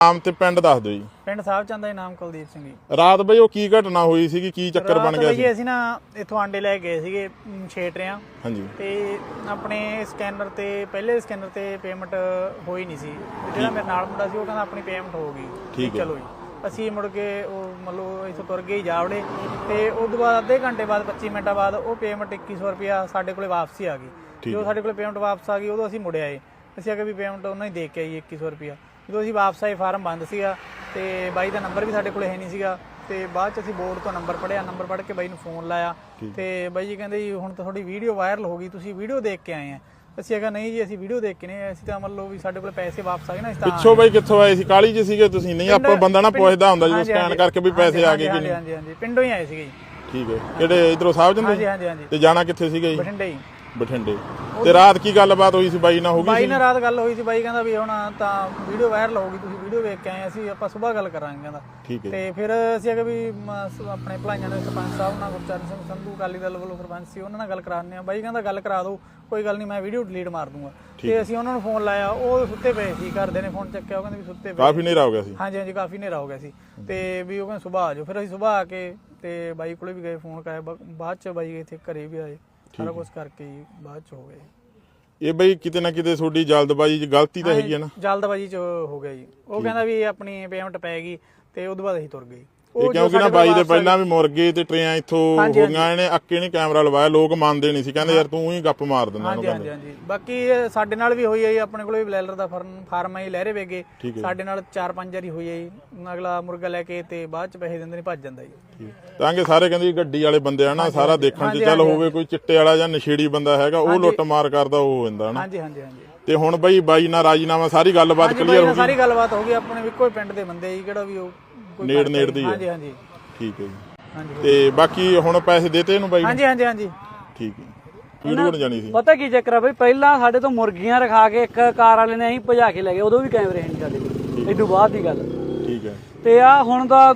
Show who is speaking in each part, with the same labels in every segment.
Speaker 1: ਨਾਮ ਤੇ ਪਿੰਡ ਦੱਸ ਦਿਓ ਜੀ।
Speaker 2: ਪਿੰਡ ਸਾਹਿਬ ਚੰਦ ਦਾ ਨਾਮ ਕੁਲਦੀਪ ਸਿੰਘ ਜੀ।
Speaker 1: ਰਾਤ ਬਈ ਉਹ ਕੀ ਘਟਨਾ ਹੋਈ ਸੀਗੀ, ਕੀ ਚੱਕਰ ਬਣ ਗਿਆ ਸੀ?
Speaker 2: ਅਸੀਂ ਨਾ ਇੱਥੋਂ ਆਂਡੇ ਲੈ ਗਏ ਸੀਗੇ 6 ਟਰਿਆਂ।
Speaker 1: ਹਾਂਜੀ।
Speaker 2: ਤੇ ਆਪਣੇ ਸਕੈਨਰ ਤੇ ਪਹਿਲੇ ਸਕੈਨਰ ਤੇ ਪੇਮੈਂਟ ਹੋਈ ਨਹੀਂ ਸੀ। ਜਿਹੜਾ ਮੇਰੇ ਨਾਲ ਮੁੰਡਾ ਸੀ ਉਹ ਕਹਿੰਦਾ ਆਪਣੀ ਪੇਮੈਂਟ ਹੋ ਗਈ।
Speaker 1: ਠੀਕ ਹੈ।
Speaker 2: ਚਲੋ ਜੀ ਅਸੀਂ ਮੁੜ ਕੇ ਉਹ ਮਤਲਬ ਇੱਥੋਂ ਤੁਰ ਗਏ ਜਾਵੜੇ ਤੇ ਉਸ ਤੋਂ ਬਾਅਦ ਅੱਧੇ ਘੰਟੇ ਬਾਅਦ 25 ਮਿੰਟਾਂ ਬਾਅਦ ਉਹ ਪੇਮੈਂਟ 2100 ਰੁਪਇਆ ਸਾਡੇ ਕੋਲੇ ਵਾਪਸੀ ਆ ਗਈ। ਜਦੋਂ ਸਾਡੇ ਕੋਲੇ ਪੇਮੈਂਟ ਵਾਪਸ ਆ ਗਈ ਉਦੋਂ ਅਸੀਂ ਮੁੜ ਆਏ। ਅਸੀਂ ਆਖਿਆ ਵੀ ਪੇਮੈਂਟ ਉਹਨਾਂ ਹੀ ਦੇ ਕੇ ਆਈ 2100 ਰੁਪਇਆ। ਜਦੋਂ ਅਸੀਂ ਵਾਪਸ ਆਏ ਫਾਰਮ ਬੰਦ ਸੀਗਾ ਤੇ ਬਾਈ ਦਾ ਨੰਬਰ ਵੀ ਸਾਡੇ ਕੋਲ ਹੈ ਨਹੀਂ ਸੀਗਾ। ਤੇ ਬਾਅਦ ਚ ਅਸੀਂ ਬੋਰਡ ਤੋਂ ਨੰਬਰ ਪੜਿਆ, ਨੰਬਰ ਪੜ੍ਹ ਕੇ ਬਾਈ ਨੂੰ ਫੋਨ ਲਾਇਆ ਤੇ ਬਾਈ ਜੀ ਕਹਿੰਦੇ ਜੀ ਹੁਣ ਤਾਂ ਤੁਹਾਡੀ ਵੀਡੀਓ ਵਾਇਰਲ ਹੋ ਗਈ, ਤੁਸੀਂ ਵੀਡੀਓ ਦੇਖ ਕੇ ਆਏ ਆ। ਅਸੀਂ ਕਿਹਾ ਨਹੀਂ ਜੀ ਅਸੀਂ ਵੀਡੀਓ ਦੇਖ ਕੇ ਨਹੀਂ, ਅਸੀਂ ਤਾਂ ਮੰਨ ਲਓ ਵੀ ਸਾਡੇ ਕੋਲ ਪੈਸੇ ਵਾਪਸ ਆ ਗਏ ਨਾ।
Speaker 1: ਪਿੱਛੋਂ ਬਾਈ ਕਿੱਥੋਂ ਆਏ ਸੀ? ਕਾਲੀ ਚ ਸੀਗੇ ਤੁਸੀਂ? ਨਹੀਂ ਆਪਾਂ ਬੰਦਾ ਨਾ ਪੁੱਛਦਾ ਹੁੰਦਾ ਜਦੋਂ ਸਕੈਨ ਕਰਕੇ ਵੀ ਪੈਸੇ ਆ ਗਏ ਕਿ ਨਹੀਂ।
Speaker 2: ਹਾਂਜੀ ਹਾਂਜੀ ਪਿੰਡੋਂ ਹੀ ਆਏ ਸੀਗੇ ਜੀ।
Speaker 1: ਠੀਕ ਹੈ। ਕਿਹੜੇ ਇਧਰੋਂ ਸਾਹਿਬ ਜੰਦੇ?
Speaker 2: ਹਾਂਜੀ ਹਾਂਜੀ ਹਾਂਜੀ।
Speaker 1: ਤੇ ਜਾਣਾ ਕਿੱਥੇ ਸੀਗਾ ਜੀ?
Speaker 2: ਬਠਿੰਡੇ ਹੀ।
Speaker 1: ਬਠਿੰਡੇ। ਤੇ ਰਾਤ ਕੀ ਗੱਲਬਾਤ ਹੋਈ ਸੀ ਬਾਈ ਨਾਲ? ਹੋ ਗਈ
Speaker 2: ਬਾਈ ਨਾਲ ਰਾਤ ਗੱਲ ਹੋਈ ਸੀ। ਬਾਈ ਕਹਿੰਦਾ ਵੀ ਹੁਣ ਤਾਂ ਵੀਡੀਓ ਵਾਇਰਲ ਹੋ ਗਈ, ਤੁਸੀਂ ਵੀਡੀਓ ਵੇਖ ਕੇ ਆਏ, ਅਸੀਂ ਆਪਾਂ ਸਵੇਰ ਗੱਲ ਕਰਾਂਗੇ ਕਹਿੰਦਾ।
Speaker 1: ਠੀਕ ਹੈ।
Speaker 2: ਤੇ ਫਿਰ ਅਸੀਂ ਅਗੇ ਵੀ ਆਪਣੇ ਭਲਾਈਆਂ ਦੇ ਸਰਪੰਚ ਸਾਹਿਬ ਨਾਲ ਗੁਰਚਰਨ ਸਿੰਘ ਸੰਧੂ ਅਕਾਲੀ ਦਲ ਵੱਲੋਂ ਸਰਪੰਚ ਸੀ, ਉਹਨਾਂ ਨਾਲ ਗੱਲ ਕਰਾਉਂਦੇ ਆ। ਬਾਈ ਕਹਿੰਦਾ ਗੱਲ ਕਰਾ ਦਿਓ, ਕੋਈ ਗੱਲ ਨਹੀਂ, ਮੈਂ ਵੀਡੀਓ ਡਿਲੀਟ ਮਾਰ ਦੂੰਗਾ। ਤੇ ਅਸੀਂ ਉਹਨਾਂ ਨੂੰ ਫੋਨ ਲਾਇਆ, ਉਹ ਸੁੱਤੇ ਪਏ ਸੀ। ਘਰਦੇ ਨੇ ਫੋਨ ਚੱਕਿਆ, ਉਹ ਕਹਿੰਦੇ ਵੀ ਸੁੱਤੇ ਪਏ।
Speaker 1: ਕਾਫੀ ਹਨੇਰਾ ਹੋ ਗਿਆ ਸੀ?
Speaker 2: ਹਾਂਜੀ ਹਾਂਜੀ ਕਾਫੀ ਹਨੇਰਾ ਹੋ ਗਿਆ ਸੀ। ਤੇ ਵੀ ਉਹ ਕਹਿੰਦੇ ਸੁਬਾਹ ਆ ਜਾਓ। ਫਿਰ ਅਸੀਂ ਸੁਬਾਹ ਆ ਕੇ ਤੇ ਬਾਈ ਕੋਲੇ ਵੀ ਗਏ, ਫੋਨ ਕਰਾਇਆ। ਬਾਅਦ ਚ ਬਾਈ ਇੱਥੇ ਘਰੇ ਵੀ ਆਏ, ਸਾਰਾ ਕੁਝ ਕਰਕੇ ਬਾਅਦ ਚ ਹੋ ਗਏ।
Speaker 1: ਇਹ ਬਈ ਕਿਤੇ ਨਾ ਕਿਤੇ ਤੁਹਾਡੀ ਜਲਦਬਾਜ਼ੀ ਚ ਗਲਤੀ ਤਾਂ ਹੈਗੀ ਹੈ ਨਾ?
Speaker 2: ਜਲਦਬਾਜ਼ੀ ਚ ਹੋ ਗਿਆ ਜੀ। ਉਹ ਕਹਿੰਦਾ ਵੀ ਆਪਣੀ ਪੇਮੈਂਟ ਪੈ ਗਈ ਤੇ ਉਦੋਂ ਬਾਅਦ ਅਸੀਂ ਤੁਰ ਗਏ।
Speaker 1: ਇਹ ਕਿਉਂਕਿ ਨਾ ਬਾਈ ਦੇ ਪਹਿਲਾਂ ਵੀ ਮੁਰਗੇ ਤੇ ਟਰੇਆਂ ਇੱਥੋਂ ਹੋ ਗਈਆਂ। ਇਹਨੇ ਅੱਕੇ ਨਹੀਂ ਕੈਮਰਾ ਲਵਾਇਆ, ਲੋਕ ਮੰਨਦੇ ਨਹੀਂ ਸੀ, ਕਹਿੰਦੇ ਯਾਰ ਤੂੰ ਹੀ ਗੱਪ ਮਾਰ ਦਿੰਦਾ।
Speaker 2: ਹਾਂਜੀ ਹਾਂਜੀ ਹਾਂਜੀ। ਬਾਕੀ ਸਾਡੇ ਨਾਲ ਵੀ ਹੋਈ ਹੈ ਜੀ। ਆਪਣੇ ਕੋਲ ਵੀ ਬਲੈਲਰ ਦਾ ਫਾਰਮ ਹੈ ਲਹਿਰੇ ਵੇਗੇ, ਸਾਡੇ ਨਾਲ 4-5 ਵਾਰੀ ਹੋਈ ਹੈ ਜੀ। ਅਗਲਾ ਮੁਰਗਾ ਲੈ ਕੇ ਤੇ ਬਾਅਦ ਚ ਪੈਸੇ ਦਿੰਦੇ ਨਹੀਂ, ਭੱਜ ਜਾਂਦਾ ਜੀ।
Speaker 1: ਤਾਂ ਕਿ ਸਾਰੇ ਕਹਿੰਦੇ ਗੱਡੀ ਵਾਲੇ ਬੰਦੇ ਆ ਨਾ, ਸਾਰਾ ਦੇਖਣ ਚ ਚੱਲ ਹੋਵੇ ਕੋਈ ਚਿੱਟੇ ਵਾਲਾ ਜਾਂ ਨਸ਼ੇੜੀ ਬੰਦਾ ਹੈਗਾ, ਉਹ ਲੁੱਟ ਮਾਰ ਕਰਦਾ ਉਹ ਹੋ ਜਾਂਦਾ ਨਾ।
Speaker 2: ਹਾਂਜੀ ਹਾਂਜੀ ਹਾਂਜੀ।
Speaker 1: ਤੇ ਹੁਣ ਬਈ ਬਾਈ ਨਾਲ ਰਾਜੀਨਾਮਾ ਸਾਰੀ ਗੱਲਬਾਤ ਕਲੀਅਰ ਹੋ ਗਈ?
Speaker 2: ਸਾਰੀ ਗੱਲਬਾਤ ਹੋ ਗਈ। ਆਪਣੇ ਇੱਕੋ ਹੀ ਪਿੰਡ ਦੇ ਬੰਦੇ ਜੀ, ਕਿਹੜਾ ਵੀ ਉਹ
Speaker 1: ਨੇੜ ਦੀ ਹੈ।
Speaker 2: ਹਾਂਜੀ ਹਾਂਜੀ
Speaker 1: ਠੀਕ ਹੈ ਜੀ। ਤੇ ਬਾਕੀ ਹੁਣ ਪੈਸੇ ਦੇਤੇ ਇਹਨੂੰ ਬਾਈ?
Speaker 2: ਹਾਂਜੀ ਹਾਂਜੀ ਹਾਂਜੀ।
Speaker 1: ਠੀਕ ਹੈ। ਵੀਡੀਓ ਜਾਣੀ ਸੀ?
Speaker 3: ਪਤਾ ਕੀ ਚੱਕਰ ਆ ਬਈ, ਪਹਿਲਾਂ ਸਾਡੇ ਤੋਂ ਮੁਰਗੀਆਂ ਰਖਾ ਕੇ ਇੱਕ ਕਾਰ ਵਾਲੇ ਨੇ ਅਸੀਂ ਭਜਾ ਕੇ ਲੈ ਗਏ, ਉਦੋਂ ਵੀ ਕੈਮਰੇ ਨਹੀਂ ਸਾਡੇ ਕੋਲ। ਇਦੋਂ ਬਾਅਦ ਦੀ ਗੱਲ।
Speaker 1: ਠੀਕ ਹੈ।
Speaker 3: ਤੇ ਆ ਹੁਣ ਦਾ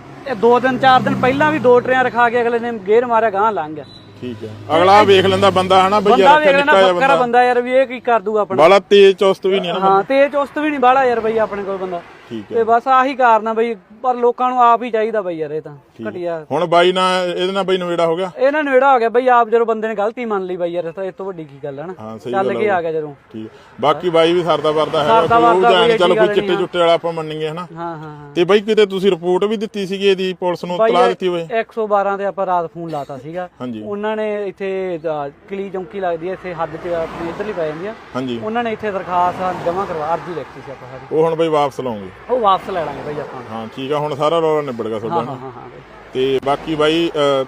Speaker 3: 2 ਦਿਨ 4 ਦਿਨ ਪਹਿਲਾਂ ਵੀ 2 ਟਰੇਆਂ ਰਖਾ ਕੇ ਅਗਲੇ ਨੇ ਗੇਰ ਮਾਰਿਆ, ਗਾਂ ਲੰਘ ਗਿਆ।
Speaker 1: ਠੀਕ ਹੈ। ਅਗਲਾ ਵੇਖ ਲੈਂਦਾ ਬੰਦਾ ਹਨਾ ਬਈ, ਯਾਰ
Speaker 3: ਬੱਕਰਾ ਬੰਦਾ ਯਾਰ ਵੀ ਇਹ ਕੀ ਕਰ ਦੂਗਾ ਆਪਣਾ।
Speaker 1: ਬਾਲਾ ਤੇਜ਼ ਚੁਸਤ ਵੀ ਨਹੀਂ ਨਾ।
Speaker 3: ਹਾਂ ਤੇਜ਼ ਚੁਸਤ ਵੀ ਨਹੀਂ ਬਾਲਾ ਯਾਰ ਬਈ ਆਪਣੇ ਕੋਲ ਬੰਦਾ। ਤੇ ਬਸ ਆਹੀ ਕਾਰਨ ਆ ਬਈ, ਪਰ ਲੋਕਾਂ ਨੂੰ ਆਪ ਹੀ ਚਾਹੀਦਾ ਬਈ ਯਾਰ। ਇਹ ਤਾਂ ਘਟਿਆ।
Speaker 1: ਹੁਣ ਬਾਈ ਨਾਲ ਇਹਦੇ ਨਾਲ ਬਈ ਨਵੇੜਾ ਹੋ ਗਿਆ?
Speaker 3: ਇਹਨਾਂ ਨਵੇੜਾ ਹੋ ਗਿਆ ਬਈ, ਆਪ ਜਦੋਂ ਬੰਦੇ ਨੇ ਗਲਤੀ ਮੰਨ ਲਈ ਬਈ ਯਾਰ, ਤਾਂ ਇਸ ਤੋਂ ਵੱਡੀ ਕੀ ਗੱਲ ਹੈ ਨਾ। ਚੱਲ ਕੇ ਆ ਗਿਆ ਜਦੋਂ।
Speaker 1: ਠੀਕ। ਬਾਕੀ ਬਾਈ ਵੀ ਸਰਦਾ ਵਰਦਾ ਹੈ, ਚੱਲ ਕੋਈ ਚਿੱਟੇ ਚੁੱਟੇ ਵਾਲਾ ਆਪਾਂ ਮੰਨੀਏ ਹਨਾ।
Speaker 3: ਹਾਂ ਹਾਂ।
Speaker 1: ਤੇ ਬਾਈ ਕਿਤੇ ਤੁਸੀਂ ਰਿਪੋਰਟ ਵੀ ਦਿੱਤੀ ਸੀਗੀ ਇਹਦੀ, ਪੁਲਿਸ ਨੂੰ ਇਤਲਾਹ ਦਿੱਤੀ ਹੋਵੇ?
Speaker 3: 112 ਤੇ ਆਪਾਂ ਰਾਤ ਫੋਨ ਲਾਤਾ ਸੀਗਾ।
Speaker 1: ਹਾਂਜੀ।
Speaker 3: ਉਹਨਾਂ ਨੇ ਇੱਥੇ ਕਲੀ ਚੌਂਕੀ ਲੱਗਦੀ ਹੈ ਇੱਥੇ ਹੱਦ ਚ ਆਪਣੀ ਇੱਧਰਲੀ ਪੈ ਜਾਂਦੀ ਆ।
Speaker 1: ਹਾਂਜੀ। ਉਹਨਾਂ
Speaker 3: ਨੇ ਇੱਥੇ ਦਰਖਾਸਤ ਜਮ੍ਹਾਂ ਕਰਵਾ, ਅਰਜੀ ਲਿਖਤੀ ਸੀ ਆਪਾਂ ਸਾਰੀ।
Speaker 1: ਉਹ ਹੁਣ ਬਈ ਵਾਪਸ ਲਾਉਂਗੇ?
Speaker 3: ਉਹ ਵਾਪਸ ਲੈ ਲਾਂਗੇ ਬਈ ਆਪਾਂ।
Speaker 1: ਹਾਂ ਠੀਕ ਆ। ਹੁਣ ਸਾਰਾ ਰੌਲਾ ਨਿਬੜ ਗਿਆ ਤੁਹਾਡਾ?
Speaker 3: ਹਾਂ ਹਾਂ ਬਈ।
Speaker 1: ਤੇ ਬਾਕੀ ਬਾਈ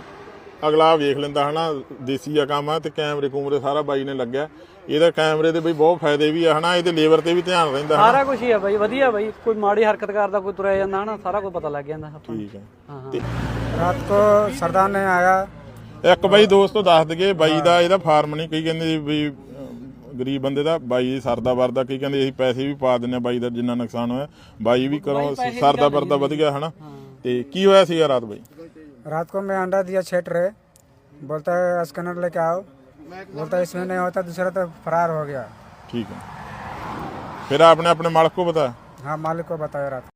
Speaker 1: ਅਗਲਾ ਵੇਖ ਲੈਂਦਾ ਹਨਾ, ਦੇਸੀ ਆ ਕੰਮ ਆ। ਤੇ ਕੈਮਰੇ ਕੂਮਰੇ ਸਾਰਾ ਬਾਈ ਨੇ ਲੱਗਿਆ। ਇਹਦਾ ਕੈਮਰੇ ਦੇ ਬਈ ਬਹੁਤ ਫਾਇਦੇ ਵੀ ਆ ਹਨਾ, ਇਹਦੇ ਲੇਬਰ ਤੇ ਵੀ ਧਿਆਨ ਰਹਿੰਦਾ।
Speaker 3: ਸਾਰਾ ਕੁਝ ਹੀ ਆ ਬਾਈ, ਵਧੀਆ ਬਾਈ। ਕੋਈ ਮਾੜੀ ਹਰਕਤ ਕਰਦਾ, ਕੋਈ ਤੁਰਿਆ ਜਾਂਦਾ ਹਨਾ, ਸਾਰਾ ਕੁਝ ਪਤਾ ਲੱਗ ਜਾਂਦਾ।
Speaker 1: ਠੀਕ ਹੈ।
Speaker 2: ਰਾਤ ਕੋ ਸਰਦਾਰ ਨੇ ਆਇਆ।
Speaker 1: ਇੱਕ ਬਾਈ ਦੋਸਤੋ ਦੱਸ ਦਈਏ, ਬਾਈ ਦਾ ਇਹਦਾ ਫਾਰਮ ਨਹੀਂ, ਕਈ ਕਹਿੰਦੇ ਵੀ ਗਰੀਬ ਬੰਦੇ ਦਾ। ਬਾਈ ਸਰਦਾ ਵਰਦਾ, ਕਈ ਕਹਿੰਦੇ ਅਸੀਂ ਪੈਸੇ ਵੀ ਪਾ ਦਿੰਦੇ ਬਾਈ ਦਾ ਜਿੰਨਾ ਨੁਕਸਾਨ ਹੋਇਆ। ਬਾਈ ਵੀ ਕਰੋ ਸਰਦਾ ਵਰਦਾ ਵਧ ਗਿਆ ਹਨਾ। ਤੇ ਕੀ ਹੋਇਆ ਸੀਗਾ ਰਾਤ ਬਾਈ?
Speaker 2: रात को मैं अंडा दिया 6 ट्रे, बोलता है स्कैनर लेके आओ, बोलता है इसमें नहीं होता, दूसरा तो फरार हो गया।
Speaker 1: ठीक है। फिर आपने अपने मालिक को बताया?
Speaker 2: हाँ मालिक को बताया रात।